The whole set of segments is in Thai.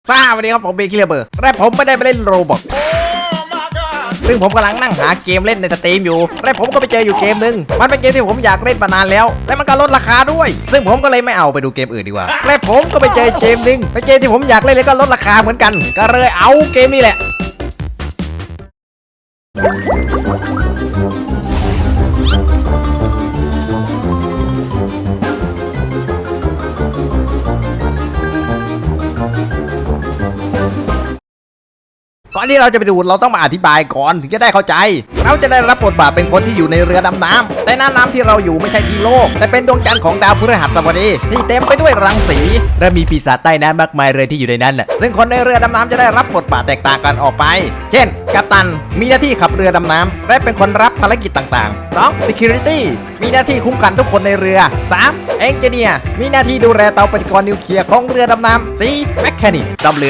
สวัสดีครับผมเบคเลเบอร์และผมไม่ได้ไปเล่นโรบอกซึ่งผมกำลังนั่งหาเกมเล่นในสตรีมอยู่และผมก็ไปเจออยู่เกมหนึ่งมันเป็นเกมที่ผมอยากเล่นมานานแล้วและมันก็ลดราคาด้วยซึ่งผมก็เลยไม่เอาไปดูเกมอื่นดีกว่าและผมก็ไปเจอเกมหนึ่งเป็นเกมที่ผมอยากเล่นแล้วก็ลดราคาเหมือนกันก็เลยเอาเกมนี้แหละก่อนที่เราจะไปดูเราต้องมาอธิบายก่อนถึงจะได้เข้าใจเราจะได้รับบทบาทเป็นคนที่อยู่ในเรือดำน้ำแต่น้ำที่เราอยู่ไม่ใช่ที่โลกแต่เป็นดวงจันทร์ของดาวพฤหัสบดีที่เต็มไปด้วยรังสีและมีปีศาจใต้น้ำมากมายเลยที่อยู่ในนั้นซึ่งคนในเรือดำน้ำจะได้รับบทบาทแตกต่างกันออกไปเช่นกัปตันมีหน้าที่ขับเรือดำน้ำและเป็นคนรับภารกิจต่างๆ 2. Security มีหน้าที่คุ้มกันทุกคนในเรือ 3. Engineer มีหน้าที่ดูแลเตาปฏิกรณ์นิวเคลียร์ของเรือดำน้ำ 4. Mechanic ซ่อมเรือ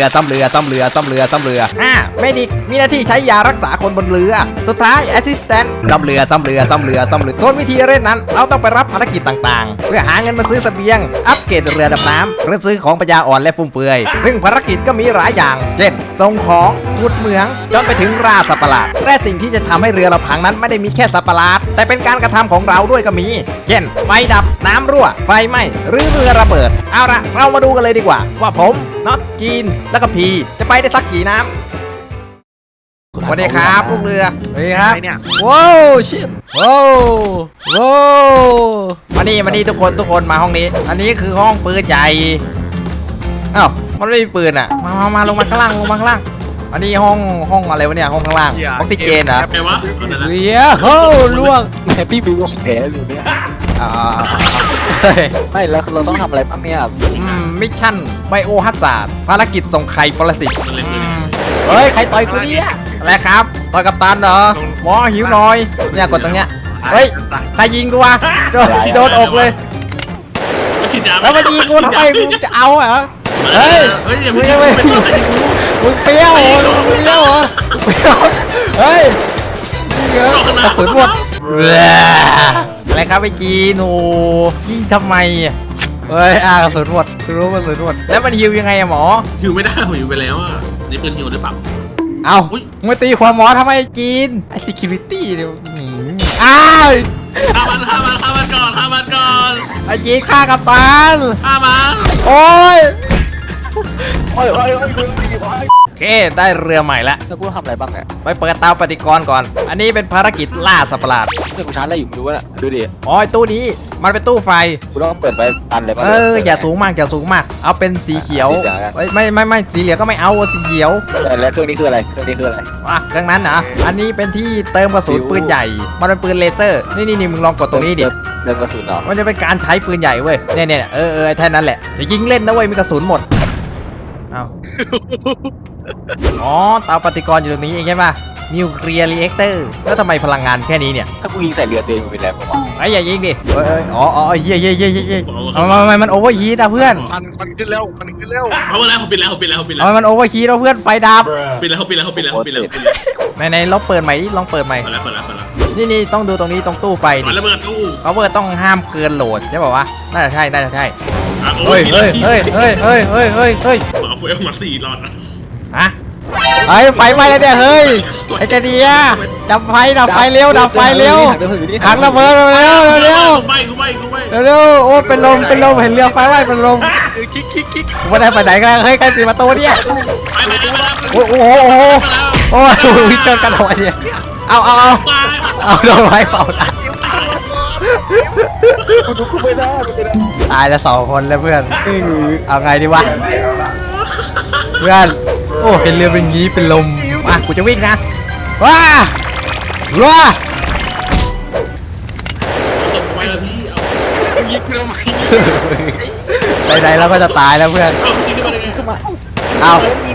5. Medic มีหน้าที่ใช้ยารักษาคนบนเรือสุดท้าย Assistant ซ่อมเรือส่วนวิธีเล่นนั้นเราต้องไปรับภารกิจต่างๆเพื่อหาเงินมาซื้อเสบียงอัปเกรดเรือดำน้ำหรือซื้อของปัญญาอ่อนและฟุ่มเฟือยซึ่งภารกิจก็มีหลายอย่างเช่นส่งของขุดเหมืองจนไปถึงล่าสัตว์ประหลาดและสิ่งที่จะทำให้เรือเราพังนั้นไม่ได้มีแค่สัตว์ประหลาดแต่เป็นการกระทำของเราด้วยก็มีเช่นไฟดับน้ำรั่วไฟไหม้หรือเรือระเบิดเอาละเรามาดูกันเลยดีกว่าว่าผมน็อตจีนแล้วก็พีจะไปได้สักกี่น้ำสวัสดีครับลูกเรือสวัสดีครับว้าวชิบว้าวมานี่ทุกคนมาห้องนี้อันนี้คือห้องปืนใหญ่อ้าวมันไม่มีปืนอ่ะมาลงมาข้างล่างอันนี้ห้องอะไรวะเนี่ยห้องข้างล่างออกซิเจนเหรอแปลว่าเฮียโหล่วงแฮปปี้บิวของแท้อยู่เนี่ยไม่แล้วเราต้องทำอะไรบ้างเนี่ยมิชชั่นไบโอฮัซาร์ดภารกิจส่งไข่ปรสิตเฮ้ยใครต่อยกูเนี่ยอะไรครับต่อยกัปตันเหรอหมอหิวหน่อยเนี่ยกดตรงเนี้ยเฮ้ยใครยิงกูวะโดนอกเลยแล้วมายิงกูทำไมกูจะเอาเหรอเฮ้ยมึงเปรี้ยวเหรอเฮ้ยกระสุนหมดอะไรครับไอ้จีนโอ้ยิงทำไมเฮ้ยกระสุนหมดรู้กระสุนหมดแล้วมันฮิวยังไงอะหมอฮิวไม่ได้ผมฮิวไปแล้วอ่ะนี่ปืนฮิวหรือเปล่าเอามึงตีหัวหมอทำไมจีนไอ้ security เนี่ยอ้าวฆ่ามันก่อนไอ้จีนฆ่ากัปตันฆ่ามันโอ้ยโอเคได้เรือใหม่แล้วแล้วกูทำอะไรบ้างเนี่ยไปเปิดเตาปฏิกรณ์ก่อนอันนี้เป็นภารกิจล่าสัตว์ประหลาดเนี่ยกูชาร์จอะไรอยู่ไม่รู้นะดูดิอ๋อตู้นี้มันเป็นตู้ไฟกูต้องเปิดไปตันเลยป่ะอย่าสูงมากเอาเป็นสีเขียวไม่สีเหลืองก็ไม่เอาสีเขียวแล้วเครื่องนี้คืออะไรเครื่องนั้นนะอันนี้เป็นที่เติมกระสุนปืนใหญ่มันเป็นปืนเลเซอร์นี่มึงลองกดตรงนี้ดิเติมกระสุนเหรอมันจะเป็นการใช้ปืนใหญ่เว้ยเนี่ยแค่นั้นแหละจะยิงเล่นนะเว้ยมีกระสุนหมดเอาอ๋อเตาปฏิกรณ์อยู่ตรงนี้เองใช่ป่ะนิวเคลียร์รีแอคเตอร์แล้วทำไมพลังงานแค่นี้เนี่ยถ้ากูยิงใส่เรือตัวเองเป็นแรงผมไอ้อย่ายิงดิอ๋อเย่มันโอเวอร์ฮีทอะเพื่อนมันขึ้นแล้วเอาแล้วผมปิดแล้วมันโอเวอร์ฮีทแล้วเพื่อนไฟดับปิดแล้วในลองเปิดใหม่ดิลองเปิดใหม่นี่ต้องดูตรงนี้ตรงตู้ไฟดิระเบิดตู้เขาเปิดต้องห้ามเกินโหลดใช่ป่าววะน่าจะใช่เฮ้ยเอาเฟลมา4 หลอดฮะไฟไหม้แล้วเนี่ยเฮ้ยไอ้เจดียดับไฟเร็วถังระเบิดเร็วโอ้เป็นลมเห็นเรือไฟไหม้เป็นลมไม่ได้ไปไหนกันเฮ้ยใครปิดประตูเนี่ยโอ้ยเจอกันหัวเนี่ยเอาโดนไฟเป่าตายแล้ว2 คนแล้วเพื่อนเอาไงดีวะเพื่อนโอ้เห็นเรือเป็นงี้เป็นลมกูจะวิ่งนะว้ายิงเพื่อนไหนเราก็จะตายแล้วเพื่อนเอา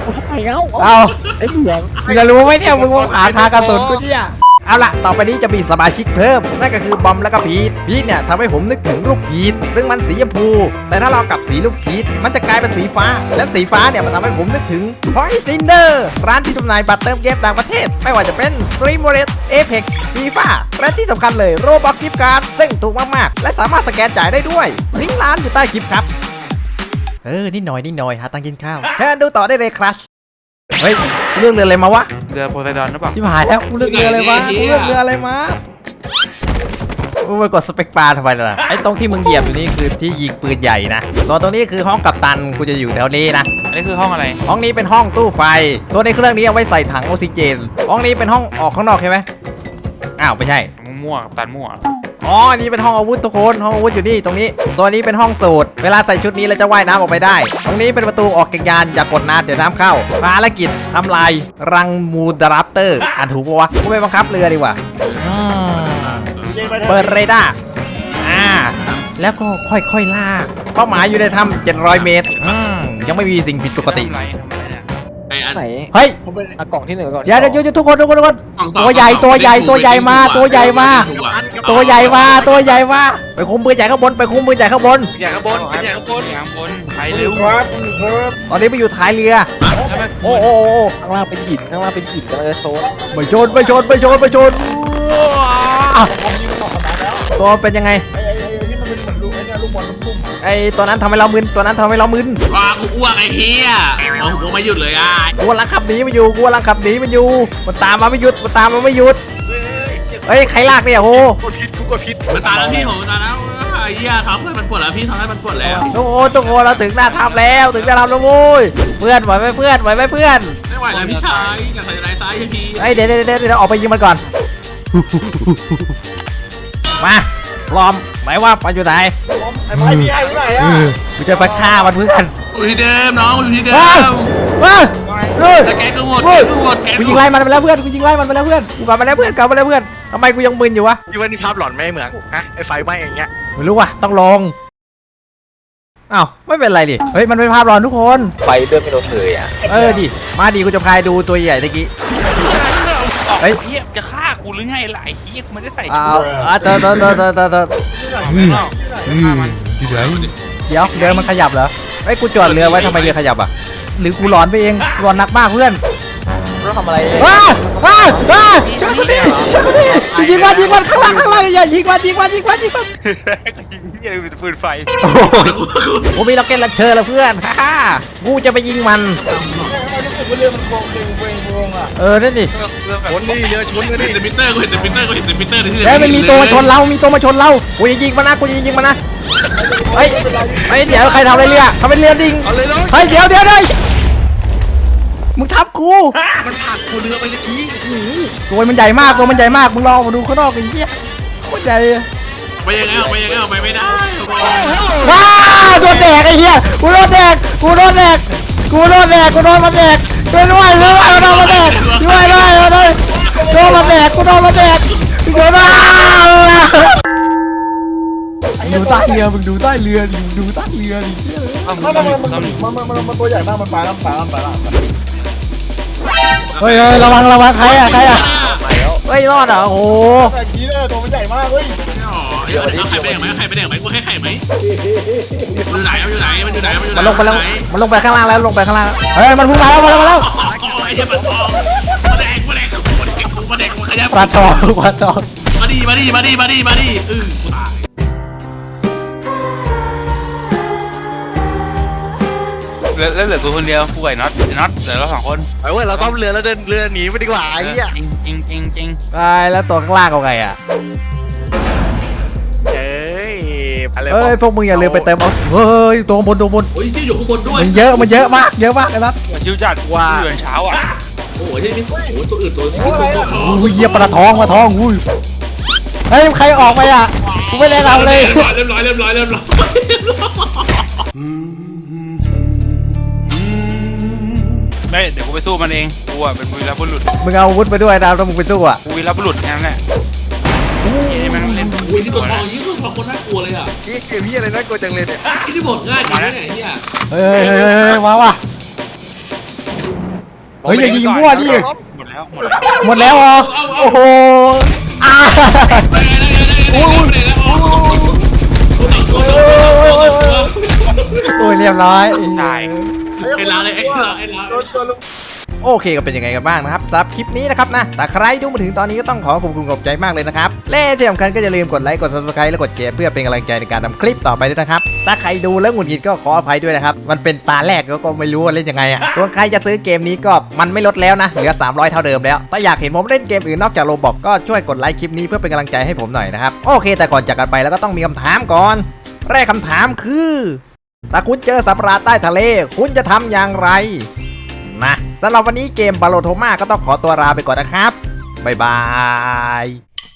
จะรู้ไหมเนี่ยมึงว่าขาทางกระสุนกูเนี่ยเอาละต่อไปนี้จะมีสมาชิกเพิ่มนั่นก็คือบอมและก็พีทเนี่ยทำให้ผมนึกถึงลูกพีทซึ่งมันสีชมพูแต่ถ้าเรากลับสีลูกพีทมันจะกลายเป็นสีฟ้าและสีฟ้าเนี่ยมันทำให้ผมนึกถึง Point Cinder ร้านที่จำหน่ายบัตรเติมเกมต่างประเทศไม่ว่าจะเป็น Stream Wallet Apex FIFA และที่สำคัญเลย Roblox Gift Card ซึ่งถูกมากๆและสามารถสแกนจ่ายได้ด้วยลิงก์ร้านอยู่ใต้คลิปครับนิดหน่อยหาตังค์กินข้าวแค่ดูต่อได้เลยครับเฮ้ยกูเลือกเรืออะไรมาวะเรือโพไซดอนหรือเปล่าที่หายแล้วกูเลือกเรืออะไรมากูเลือกเรืออะไรมากูไปกดสเปกบาร์ทำไมล่ะไอ้ตรงที่มึงเหยียบอยู่นี่คือที่ยิงปืนใหญ่นะส่วนตรงนี้คือห้องกัปตันกูจะอยู่แถวนี้นะอันนี้คือห้องอะไรห้องนี้เป็นห้องตู้ไฟตัวในเครื่องนี้เอาไว้ใส่ถังออกซิเจนห้องนี้เป็นห้องออกข้างนอกใช่ไหมอ้าวไม่ใช่มั่วกับตันมั่วอ๋ออันนี้เป็นห้องอาวุธทุกคนห้องอาวุธอยู่นี่ตรงนี้ตัวนี้เป็นห้องสูตรเวลาใส่ชุดนี้แล้วจะว่ายน้ำออกไปได้ ตรงนี้เป็นประตูออกจากยานอย่ากดนานเดี๋ยวน้ำเข้าภารกิจทำลายรังมูดราฟเตอร์อ่านถูกปะวะกูไปบังคับเรือดีกว่าเปิดเรดาร์แล้วก็ค่อยๆลากเป้าหมายอยู่ในถ้ำ700 เมตรยังไม่มีสิ่งผิดปกติทำไรเนี่ยไอ้อันไหนเฮ้ยอ่ะกล่องที่หนึ่งกล่องที่เดี๋ยวสองเดี๋ยวทุกคนตัวใหญ่มาตัวใหญ่มาไปคุมปืนใหญ่ข้างบนไปคุมปืนใหญ่ข้างบนอย่างข้างบนอย่างข้างบนอย่างข้างบนไปเร็วตอนนี้ไปอยู่ท้ายเรือแล้วมันโอ้ข้างล่างเป็นหินกำลังจะโชว์ไปชนตัวเป็นยังไงที่มันเป็นเหมือนลูกไอ้เนี่ยลูกบอลลูกไอตัวนั้นทำให้เรามึนว้ากูอ้วกไอ้เฮียมองกูไม่หยุดเลยอ่ะกูกำลังขับหนีมันอยู่มันตามมาไม่หยุดเฮ้ยใครลากเนี่ยโหมันตายแล้วพี่ผมตายแล้วไอ้เฮียทำให้มันปวดแล้วพี่ทำให้มันปวดแล้วทุกคนเราถึงหน้าถ้ำแล้วโว้ยเพื่อนไหวไหมเพื่อนไม่ไหวแล้วพี่ชายอย่าใส่ไรซ้ายพี่เฮ้ยเดี๋ยวออกไปยิงมันก่อนมาพร้อมไหมว่าไปอยู่ไหนไอ้ไม้พี่ไอ้ไหนอ่ะกูจะไปฆ่ามันเพื่อนอยู่ที่เดิมน้องอยู่ที่เดิมแต่แกก็หมดกูยิงไล่มันไปแล้วเพื่อนกูกลับมาแล้วเพื่อนทำไมกูยังมึนอยู่วะที่ว่านี่ภาพหลอนไม่เหมือนฮะไอ้ไฟไหม้อย่างเงี้ยไม่รู้ว่ะต้องลองอ้าวไม่เป็นไรดิเฮ้ยมันเป็นภาพหลอนทุกคนไฟเลื่อนไม่ลดเลยอ่ะดิมาดิกูจะพายดูตัวใหญ่ตะกี้เฮ้ยเฮียจะฆ่ากูหรือไงล่ะไอ้เฮียกูไม่ได้ใส่ชุอ้าดวเตอไม่นอกฆ่ามันเดี๋ยวเรือมันขยับเหรอเฮ้ยกูจอดเรือไว้ทำไมเรือขยับอ่ะหรือกูหลอนไปเองหลอนหนักมากเพื่อนเราทำอะไรช่วยกูดิยิงมันข้างล่างอย่ายิงมันยิงเฮียเป็นปืนไฟกูมีล็อกเก็ตลันเชอร์แล้วเพื่อนฮ่ากูจะไปยิงมันรู้สึกว่าเรือมันโค้งอ่ะนั่นดิชนนี่เรือชนกันเห็ดินแต่มิเตอร์กูเห็นแต่มิเตอร์ที่เฮ้ยมันมีตัวมาชนเรากูจะยิงมันนะเฮ้ยเดี๋ยวใครทำอะไรเรือทำเป็นเรือดิ่งเอาเลยน้องเฮ้ยเดี๋ยวมึงทับกูมันผ่านกูเรือไปเมื่อกี้ตัวมันใหญ่มากมึงลองมาดูข้างนอกไอ้เหี้ยโคตรใหญ่ไปยังไงออกไปไม่ได้ว้าวโดนแดกไอ้เหี้ยกูโดนมันแดกช่วยด้วยช่วยมันแดกกูโดนมันแดกโดนมันแดกดูใต้เรือมึงดูใต้เรือดิมันตัวใหญ่มากมันปลาแล้วเฮ้ยระวังใครอะเฮ้ยรอดอ่ะโอ้โหแต่กี้เนี่ยตัวมันใหญ่มากเว้ยเอาไข่ไปแดงไหมกูให้ไข่ไหมอยู่ไหนมันมันลงไปข้างล่างแล้วเฮ้ยมันพุ่งมาแล้วไอ้เหี้ยมันขยับปลาทองมาดีกูตายแล้วเหลือกูคนเดียวกูไก่น็อตเหลือเรา2 คนไอ้เว้ยเราต้อมเรือแล้วเดินเรือหนีไปดีกว่าไอ้เหี้ยจริงตายแล้วตัวข้างล่างเอาไงอ่ะเอ้ยอะไรเอ้ยพวกมึงอย่าลืมไปเติมเอาเฮ้ยตัวบนโอ้ยที่อยู่ข้างบนด้วยมันเยอะมากไอ้นัทชิวจัดว่าเดือนเช้าอ่ะโอ้ยที่นี่โอ้ยตัวอื่นตัวอุ้ยเหยียบปลาทองอุ้ยเฮ้ยใครออกไปอ่ะกูไม่ได้ทำเลยเรียบร้อยไม่เดี๋ยวกูไปสู้มันเองกูอ่ะเป็นวีรบุรุษมึงเอาอาวุธไปด้วยนะแล้วมึงไปสู้อ่ะกูวีรบุรุษแค่นั้นแหละนี่มันเล่นโอ้ยที่ตัวทองยิ่งตัวทองคนน่ากลัวเลยอ่ะนี่เกมพี่อะไรน่ากลัวจังเลยเนี่ยที่บอกง่ายจริงนะเนี่ยเฮ้ยมาว่ะเฮ้ยอย่ายิงมั่วดิหมดแล้วหมดแล้วเหรอโอ้โหโอ้ยเรียบร้อยได้ไอ้ลาเลยไอ้ลาตัวลุงโอเคก็เป็นยังไงกันบ้างนะครับสำหรับคลิปนี้นะครับนะแต่ใครดูมาถึงตอนนี้ก็ต้องขอบคุณขอบใจมากเลยนะครับและที่สำคัญก็อย่าลืมกดไลค์กด subscribe และกดแชร์เพื่อเป็นกำลังใจในการทำคลิปต่อไปด้วยนะครับถ้าใครดูแล้วหงุดหงิดก็ขออภัยด้วยนะครับมันเป็นตาแรกก็ไม่รู้ว่าเล่นยังไงอ่ะส่วนใครจะซื้อเกมนี้ก็มันไม่ลดแล้วนะเหลือ300เท่าเดิมแล้วถ้าอยากเห็นผมเล่นเกมอื่นนอกจากโรบอกก็ช่วยกดไลค์คลิปนี้เพื่อเป็นกำลังใจให้ผมหน่อยนะครับโอเคแต่ก่อนจากกันไปแล้วก็ต้องมีคำถามก่อนแรกคำถามคือถ้าคุณเจอสัตว์ประหลาดใต้ทะเลคุณจะทำอย่างไรนะสำหรับวันนี้เกมบาโลโทมาก็ต้องขอตัวลาไปก่อนนะครับบ๊ายบาย